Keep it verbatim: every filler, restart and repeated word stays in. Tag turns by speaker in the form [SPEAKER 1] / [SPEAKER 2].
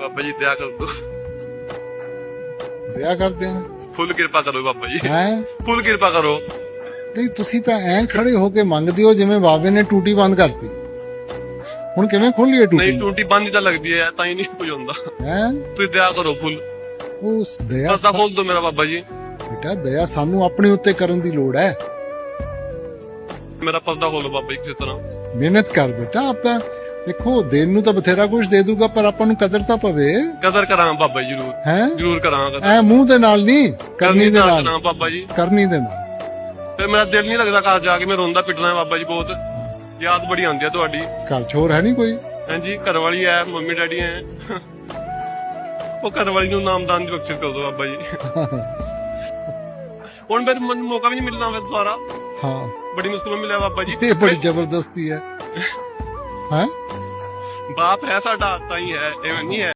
[SPEAKER 1] ਬਾਬਾ ਜੀ ਦਇਆ ਕਰ ਦੋ,
[SPEAKER 2] ਦਇਆ ਕਰਦੇ ਆ।
[SPEAKER 1] ਫੁੱਲ ਕਿਰਪਾ ਕਰੋ ਬਾਬਾ ਜੀ,
[SPEAKER 2] ਹੈ
[SPEAKER 1] ਫੁੱਲ ਕਿਰਪਾ ਕਰੋ।
[SPEAKER 2] ਨਹੀਂ ਤੁਸੀਂ ਤਾਂ ਐਂ ਖੜੇ ਹੋ ਕੇ ਮੰਗਦੇ ਹੋ ਜਿਵੇਂ ਬਾਬੇ ਨੇ ਟੂਟੀ ਬੰਦ ਕਰਤੀ। ਹੁਣ ਕਿਵੇਂ ਖੋਲੀਏ
[SPEAKER 1] ਨਹੀਂ
[SPEAKER 2] ਟੂਟੀ?
[SPEAKER 1] ਟੂਟੀ ਬੰਦ ਤਾਂ ਲੱਗਦੀ ਹੈ ਤਾਂ ਹੀ ਨਹੀਂ ਕੁਝ ਹੁੰਦਾ।
[SPEAKER 2] ਹੈ
[SPEAKER 1] ਤੁਸੀਂ ਦਇਆ ਕਰੋ ਫੁੱਲ,
[SPEAKER 2] ਉਸ ਦਇਆ
[SPEAKER 1] ਪਰਦਾ ਖੋਲ ਦੋ ਮੇਰਾ ਬਾਬਾ ਜੀ,
[SPEAKER 2] ਬੇਟਾ ਦਇਆ ਸਾਨੂੰ ਆਪਣੇ ਉੱਤੇ ਕਰਨ ਦੀ ਲੋੜ ਹੈ।
[SPEAKER 1] ਮੇਰਾ ਪਰਦਾ ਖੋਲੋ ਬਾਬਾ ਜੀ ਕਿਸੇ ਤਰ੍ਹਾਂ।
[SPEAKER 2] ਮਿਹਨਤ ਕਰ ਬੇਟਾ। ਆਪਾਂ ਦੇਖੋ ਦੇਣ ਨੂੰ ਤਾਂ ਬਥੇਰਾ ਕੁਝ ਦੇ ਦੂਗਾ ਪਰ ਆਪਾਂ ਨੂੰ ਕਦਰ ਤਾਂ ਪਵੇ।
[SPEAKER 1] ਕਦਰ ਕਰਾਂ ਬਾਬਾ ਜੀ, ਜਰੂਰ
[SPEAKER 2] ਹੈ
[SPEAKER 1] ਜਰੂਰ ਕਰਾਂ ਕਦਰ।
[SPEAKER 2] ਐ ਮੂੰਹ ਦੇ ਨਾਲ ਨਹੀਂ, ਕਰਨੀ ਦੇ ਨਾਲ
[SPEAKER 1] ਕਰਾਂ ਬਾਬਾ ਜੀ,
[SPEAKER 2] ਕਰਨੀ ਦੇ ਨਾਲ।
[SPEAKER 1] ਫਿਰ ਮੇਰਾ ਦਿਲ ਨਹੀਂ ਲੱਗਦਾ ਘਰ ਜਾ ਕੇ, ਮੈਂ ਰੋਂਦਾ ਪਿੱਟਦਾ ਬਾਬਾ ਜੀ ਬਹੁਤ, ਯਾਦ ਬੜੀ ਆਉਂਦੀ ਹੈ ਤੁਹਾਡੀ।
[SPEAKER 2] ਘਰ ਛੋਰ ਹੈ ਨਹੀਂ ਕੋਈ?
[SPEAKER 1] ਹਾਂਜੀ ਘਰ ਵਾਲੀ ਹੈ, ਮੰਮੀ ਡੈਡੀ ਹੈ। ਉਹ ਘਰ ਵਾਲੀ ਨੂੰ ਨਾਮਦਾਨ ਦੀ ਬਖਸ਼ਿਸ਼ ਕਰ ਦੋ ਬਾਬਾ ਜੀ। ਹੁਣ ਫਿਰ ਮੈਨੂੰ ਮੌਕਾ ਵੀ ਨਹੀਂ ਮਿਲਣਾ ਫਿਰ ਦੁਬਾਰਾ।
[SPEAKER 2] ਹਾਂ
[SPEAKER 1] ਬੜੀ ਮੁਸ਼ਕਿਲ ਮਿਲਿਆ ਬਾਬਾ ਜੀ।
[SPEAKER 2] ਇਹ ਬੜੀ ਜ਼ਬਰਦਸਤੀ ਹੈ। ਹੈ
[SPEAKER 1] ਬਾਪ ਹੈ ਸਾਡਾ ਤਾਂ ਹੀ ਹੈ, ਐਵੇਂ ਨਹੀਂ ਹੈ।